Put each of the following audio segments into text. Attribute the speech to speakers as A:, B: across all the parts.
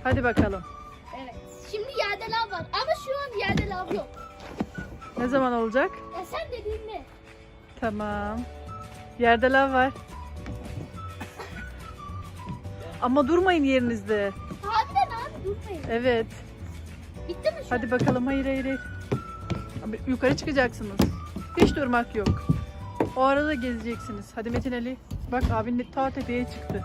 A: Hadi bakalım.
B: Evet. Şimdi yerde lav var ama şu an yerde lav yok.
A: Ne zaman olacak?
B: Ya sen dediğin ne?
A: Tamam. Yerde lav var. Ama durmayın yerinizde.
B: Harbiden abi durmayın.
A: Evet.
B: Bitti mi şu
A: Hadi bakalım. Hayır hayır hayır. Abi, yukarı çıkacaksınız. Hiç durmak yok. O arada gezeceksiniz. Hadi Metin Ali. Bak abin de ta tepeye çıktı.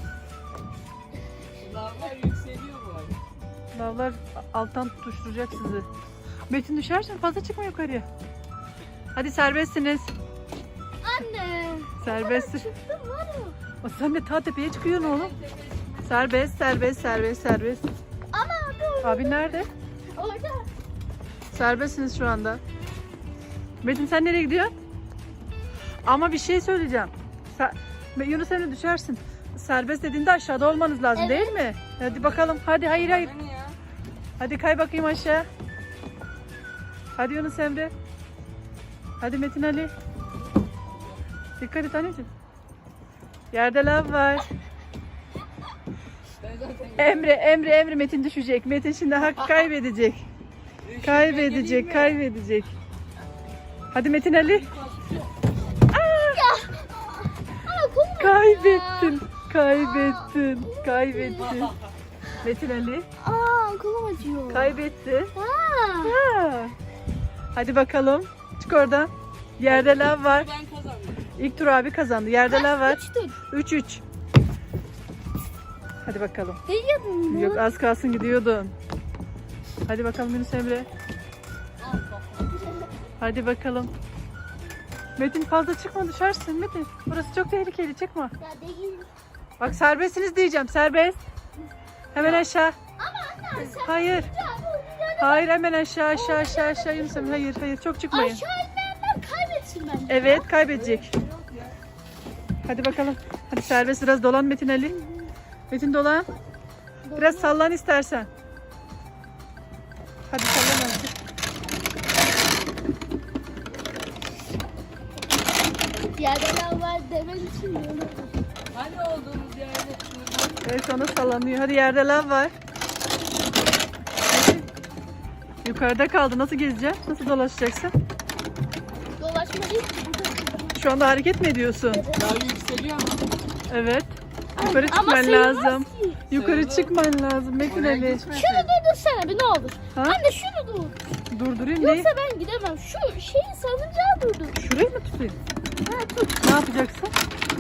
C: Lavlar yükseliyor bu arada.
A: Lavlar alttan tutuşturacak sizi. Metin düşersen fazla çıkma yukarıya. Hadi serbestsiniz.
B: Anne.
A: Serbest.
B: Çıktım var mı?
A: O sen de ta tepeye çıkıyorsun oğlum. Serbest, serbest, serbest, serbest.
B: Ama abi
A: Abi nerede?
B: orada.
A: Serbestsiniz şu anda. Metin sen nereye gidiyorsun? Ama bir şey söyleyeceğim. Yunus Emre düşersin. Serbest dediğinde aşağıda olmanız lazım
B: Evet.
A: değil mi? Hadi bakalım. Hadi hayır hayır.
C: Bana ne ya?
A: Hadi kay bakayım aşağı. Hadi Yunus Emre. Hadi Metin Ali. Dikkat et anneciğim. Yerde lav var.
C: Ben zaten
A: Emre Metin düşecek. Metin şimdi hak kaybedecek. Kaybedecek, kaybedecek. Hadi Metin Ali.
B: Ama kum var
A: Kaybettin. Kaybettin. Kaybettin. Metin Ali
B: Aa kolum acıyor.
A: kaybetti.
B: Aa.
A: Ha. Hadi bakalım. Çık oradan. Yerde lav var.
C: Ben kazandım.
A: İlk tur abi kazandı. Yerde lav var.
B: 3 tur.
A: 3-3. Hadi bakalım.
B: Değiyordun mu?
A: Yok az kalsın gidiyordun. Hadi bakalım Yunus Emre. Hadi bakalım. Metin fazla çıkma düşersin Metin. Burası çok tehlikeli çıkma.
B: Ya değil.
A: Bak serbestsiniz diyeceğim serbest. Hemen aşağı.
B: Ama anne sen
A: Hayır.
B: abi o
A: Hayır hemen aşağı aşağı aşağı aşağı Yunus Emre. Hayır hayır çok çıkmayın.
B: aşağı inmeyenler kaybetsin bence.
A: Evet kaybedecek. Hadi bakalım. Hadi serbest biraz dolan Metin Ali. Metin dolan. Biraz sallan istersen. Hadi sallan azıcık.
B: Yerde lav var demen için yolu.
C: Hani olduğumuz yerde şurada.
A: Evet sana sallanıyor. Hadi yerde lav var. Hadi. Yukarıda kaldı. Nasıl gezeceksin? Nasıl dolaşacaksın?
B: Dolaşma değil ki burada.
A: Şu anda hareket mi ediyorsun?
C: Lav yükseliyor ama.
A: Evet. Yukarı
B: Ama
A: çıkman
B: sayılmaz
A: lazım.
B: ki.
A: Yukarı
C: Sayılır.
A: çıkman lazım Metin
C: Oraya
A: Ali.
C: geçmezsin.
B: Şunu durdursana bir ne olur.
A: Ha?
B: Anne şunu dur.
A: Durdurayım neyi?
B: Yoksa ben gidemem. Şu şeyi salıncağı durdur.
A: Şurayı mı tutayım?
B: Ha tut.
A: Ne yapacaksın?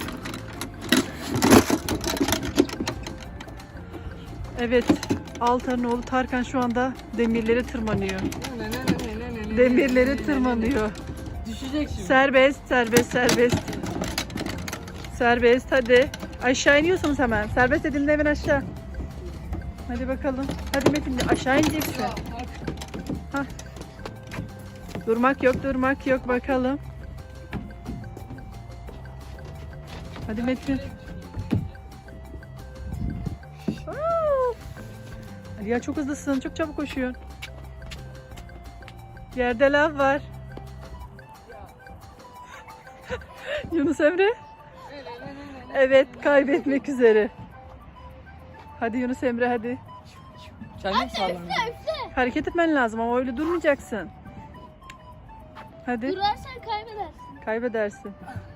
A: Evet. Altar'ın oğlu Tarkan şu anda demirlere tırmanıyor. Demirlere tırmanıyor.
C: Düşecek şimdi.
A: Serbest, serbest, serbest. Serbest hadi. Aşağı iniyorsunuz hemen. Serbest edildi hemen aşağı. Hadi bakalım. Hadi Metin aşağı ineceksin. Hah. Durmak yok, durmak yok bakalım. Hadi Metin. Aa! Ali ya çok hızlısın, çok çabuk koşuyorsun. Yerde lav var. Yunus Emre. Evet, kaybetmek üzere. Hadi Yunus Emre hadi.
C: Kendim sallandım.
B: Üfle.
A: Hareket etmen lazım ama öyle durmayacaksın. Hadi.
B: Durarsan kaybedersin.
A: Kaybedersin.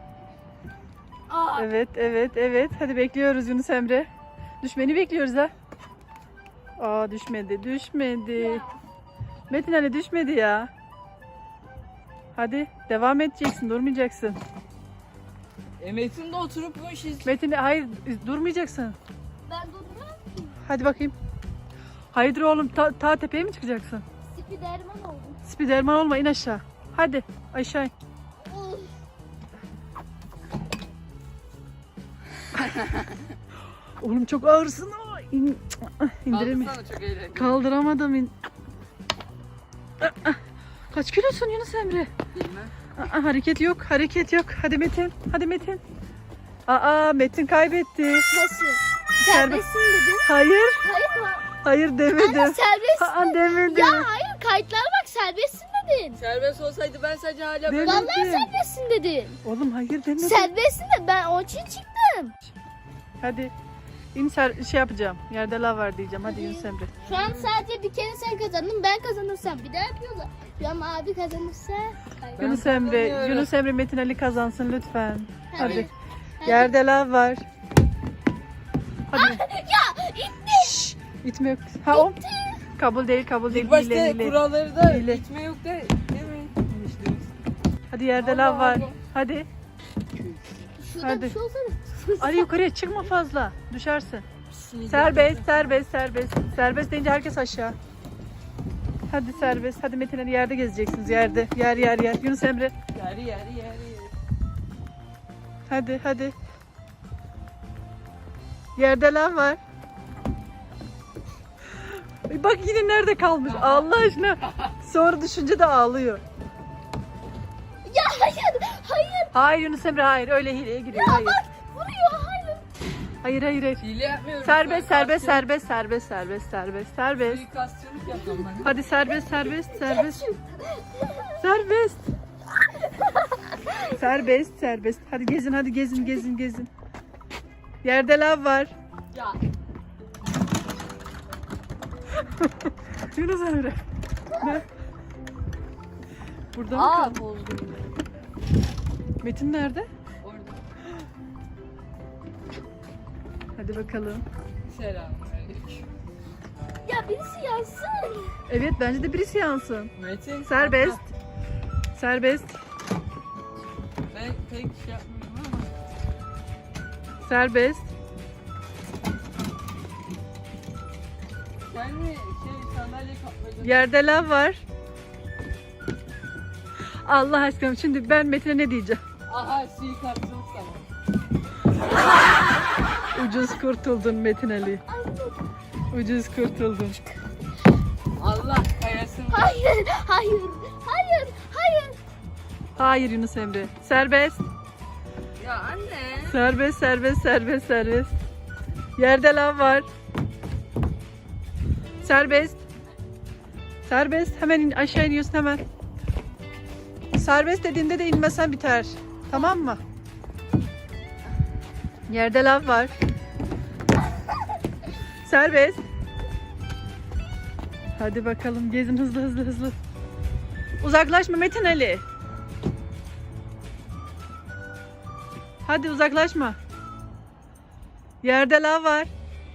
B: Aa.
A: Evet, evet, evet. Hadi bekliyoruz Yunus Emre. Düşmeni bekliyoruz ha. Aa düşmedi, düşmedi. Metin Ali düşmedi ya. Hadi devam edeceksin, durmayacaksın.
C: Metin de oturup bu işi
A: Metin hayır durmayacaksın.
B: Ben durmam ki.
A: Hadi bakayım. Hayırdır oğlum ta tepeye mi çıkacaksın?
B: Spiderman oldum.
A: Spiderman olma in aşağı. Hadi aşağı in.
B: Uf.
A: Oğlum çok ağırsın. Aa, İndiremiyorum.
C: kaldırsana, çok eğlenceli.
A: Kaldıramadım. Kaç kilosun Yunus Emre?
C: Bilmem.
A: Hareket yok, hareket yok. Hadi Metin, hadi Metin. Aa Metin kaybetti.
B: Nasıl? Serbestsin dedin.
A: Hayır,
B: Hayır mı?
A: hayır demedim.
B: Anne serbestsin.
A: Aa demedim.
B: Ya hayır kayıtlara bak serbestsin dedin.
C: Serbest olsaydı ben sadece hala
A: Değil
C: böyle...
A: mi?
B: Vallahi
A: Demedim.
B: serbestsin dedin.
A: Oğlum hayır demedim.
B: Serbestsin de ben onun için çıktım.
A: Hadi. Şey yapacağım. Yerde lav var diyeceğim. Hadi Yunus Emre.
B: Şu an sadece bir kere sen kazandın. Ben kazanırsam bir daha yapıyorlar. Şu an abi kazanırsa.
C: Ben
A: Yunus Emre,
C: kazanıyorum.
A: Yunus Emre Metin Ali kazansın lütfen. Hadi.
B: Hadi.
A: Yerde lav var. Hadi.
B: Ya itti.
A: İtme yok. Ha o. Kabul değil, kabul değil.
C: İlk başta
A: Hile, hile.
C: kuralları da
A: Hile.
C: itme yok da değil mi? İşte.
A: Hadi yerde
C: Allah
A: lav var.
C: Allah.
A: Hadi.
B: Şurada
A: Hadi.
B: bir şey olsana.
A: Ali yukarıya çıkma fazla. Düşersin.
C: Bismillah.
A: Serbest, serbest, serbest. Serbest deyince herkes aşağı. Hadi serbest. Hadi Metin Ali yerde gezeceksiniz. Yerde. Yer yer yer. Yunus Emre.
C: Yeri.
A: Hadi hadi. Yerde lav var. Ay bak yine nerede kalmış. Allah aşkına. Sonra düşünce de ağlıyor.
B: Ya hayır. Hayır.
A: Hayır Yunus Emre hayır. Öyle hileye giriyor. Hayır.
B: Vuruyor. Hayır.
A: Hayır hayır hayır.
C: Hile yapmıyorum.
A: Serbest
C: Ben
A: serbest
C: kastçılık-
A: serbest serbest serbest serbest serbest.
C: Suikastçılık yapıyorum ben.
A: Hadi serbest serbest serbest. Serbest. Serbest serbest. Hadi gezin hadi gezin gezin gezin. Yerde lav var.
C: Ya.
A: Yunus Emre. Ne? Burada mı kaldı?
C: Bozdum.
A: Metin nerede?
C: Orada.
A: Hadi bakalım.
C: Selamünaleyküm.
B: Ya birisi yansın.
A: Evet bence de birisi yansın.
C: Metin.
A: Serbest. Serbest.
C: Ben pek şey yapmıyorum ama.
A: Serbest.
C: Sen mi sandalye kapladın?
A: Yerde lav var. Allah aşkına şimdi ben Metin'e ne diyeceğim?
C: Aha suikastçılık sana.
A: Ucuz kurtuldun Metin Ali. Ucuz kurtuldun.
C: Allah kayasın.
B: Hayır. Hayır. Hayır. Hayır.
A: Hayır Yunus Emre. Serbest.
C: Ya anne.
A: Serbest serbest serbest serbest. Yerde lav var. Serbest. Serbest. Hemen aşağı iniyorsun hemen. Serbest dediğinde de inmesen biter. Tamam mı? Yerde lav var. Serbest. Hadi bakalım gezin hızlı hızlı hızlı. Uzaklaşma Metin Ali. Hadi uzaklaşma. Yerde lav var.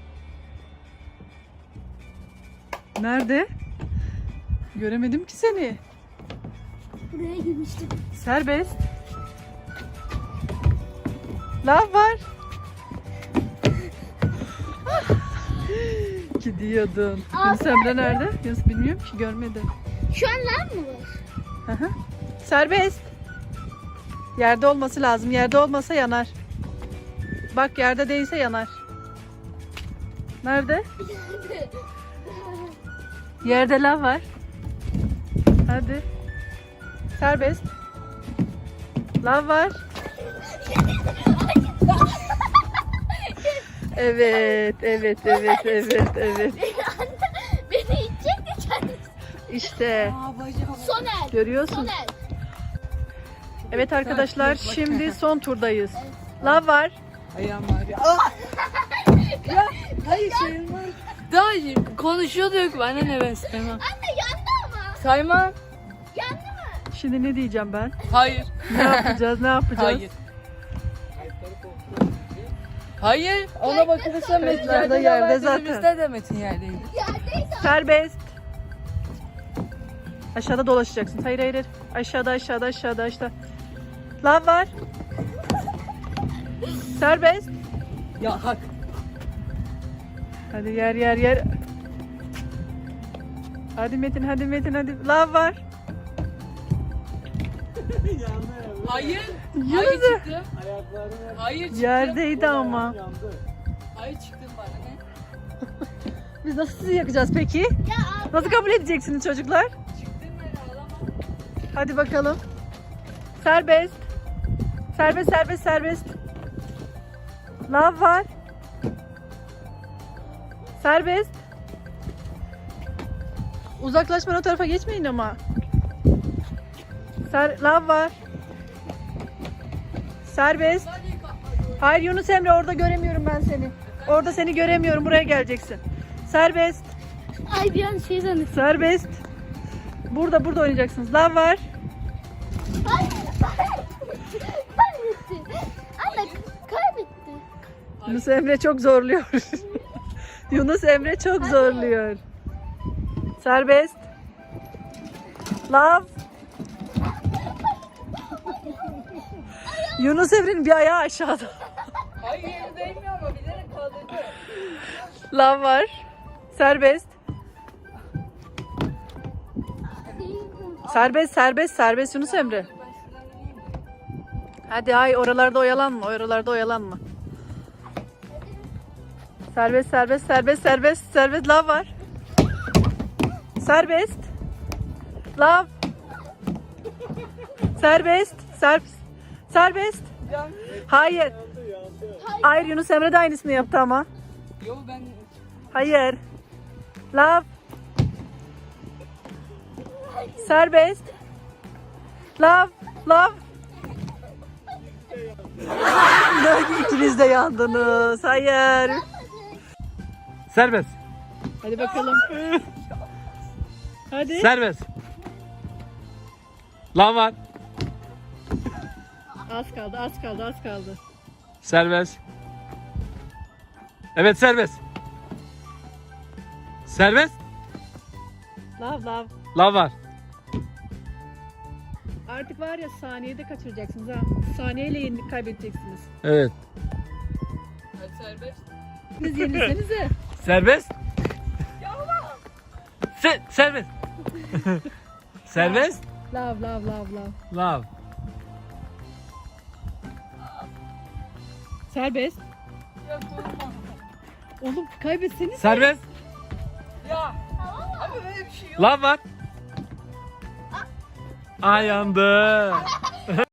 A: Nerede? Göremedim ki seni.
B: Buraya girmiştim.
A: Serbest. Lav var. Gidiyordun. Yunus Emre nerede? Yunus bilmiyorum ki görmedim.
B: Şu an lan mı var?
A: Hı hı. Serbest. Yerde olması lazım. Yerde olmasa yanar. Bak yerde değilse yanar. Nerede? Yerde lav var. Hadi. Serbest. Lav var. Evet, evet, evet, evet, evet.
B: Beni itecek de kendisi.
A: İşte
C: Aa bacağım.
B: Soner.
A: görüyorsun.
B: Soner.
A: Evet arkadaşlar
C: Bak.
A: şimdi son turdayız. Lav var.
C: Ayağım ağrıyor. Aa! Ya hayır şeyim var. Daha iyi. Konuşuyorduk. Bana ne ben saymam.
B: Anne yandı ama.
C: Saymam.
B: Yandı mı?
A: Şimdi ne diyeceğim ben?
C: Hayır.
A: Ne yapacağız? Ne yapacağız?
C: Hayır. Hayır. Ona bakılırsa Metin
A: Kayıtlarda
C: yerde,
A: yerde zaten.
C: Bizde de Metin yerdeydi.
B: Yerdeydi.
A: Serbest. Aşağıda dolaşacaksın. Hayır hayır hayır. Aşağıda aşağıda aşağıda aşağıda. Lav var. Serbest.
C: Ya hak.
A: Hadi yer yer yer. Hadi Metin hadi Metin hadi. Lav var.
C: Hayır.
A: Yürü
C: Hayır
A: de.
C: çıktım. Hayır çıktım.
A: Yerdeydi ama.
C: Hayır çıktım bana ne?
A: Biz nasıl sizi yakacağız peki?
B: Ya abi.
A: Nasıl kabul edeceksiniz çocuklar?
C: Çıktım ben ağlamam.
A: Hadi bakalım. Serbest. Serbest serbest serbest. Lav var. Serbest. Uzaklaşma o tarafa geçmeyin ama. Lav var. Serbest.
C: Sandalyeyi kapatıyor.
A: Hayır Yunus Emre orada göremiyorum ben seni. Orada seni göremiyorum. Buraya geleceksin. Serbest.
B: Ay bir an şey zannettim.
A: Serbest. Burada oynayacaksınız. Lav var.
B: Kaybetti. Anne kaybetti.
A: Yunus Emre çok zorluyor. Yunus Emre çok zorluyor. Serbest. Lav. Yunus Emre'nin bir ayağı aşağıda.
C: Hayır yeri değmiyor ama bilerek kaldırdı.
A: Lav var. Serbest. Serbest Yunus Emre. Hadi ay oralarda oyalanma. Serbest lav var. Serbest. Lav. Serbest. Hayır. Hayır Yunus Emre de aynısını yaptı ama.
C: Yo ben
A: Hayır. Lav. Serbest. Lav. İkiniz de yandınız. Hayır.
D: Serbest.
A: Hadi bakalım. Hadi.
D: Serbest. Lan var.
A: Az kaldı.
D: Serbest. Evet serbest. Serbest.
A: Lav.
D: Lan var.
A: Artık var ya saniyede kaçıracaksınız ha. Saniyeyle yenilik kaybedeceksiniz.
D: Evet.
C: serbest.
A: Siz yenilsenize.
D: Serbest. Serbest. Serbest.
A: Lav.
D: Lav.
A: Serbest. Oğlum kaybetseniz.
D: Serbest.
C: Ya. Ama böyle bir şey yok.
D: Lan var. Ay yandı.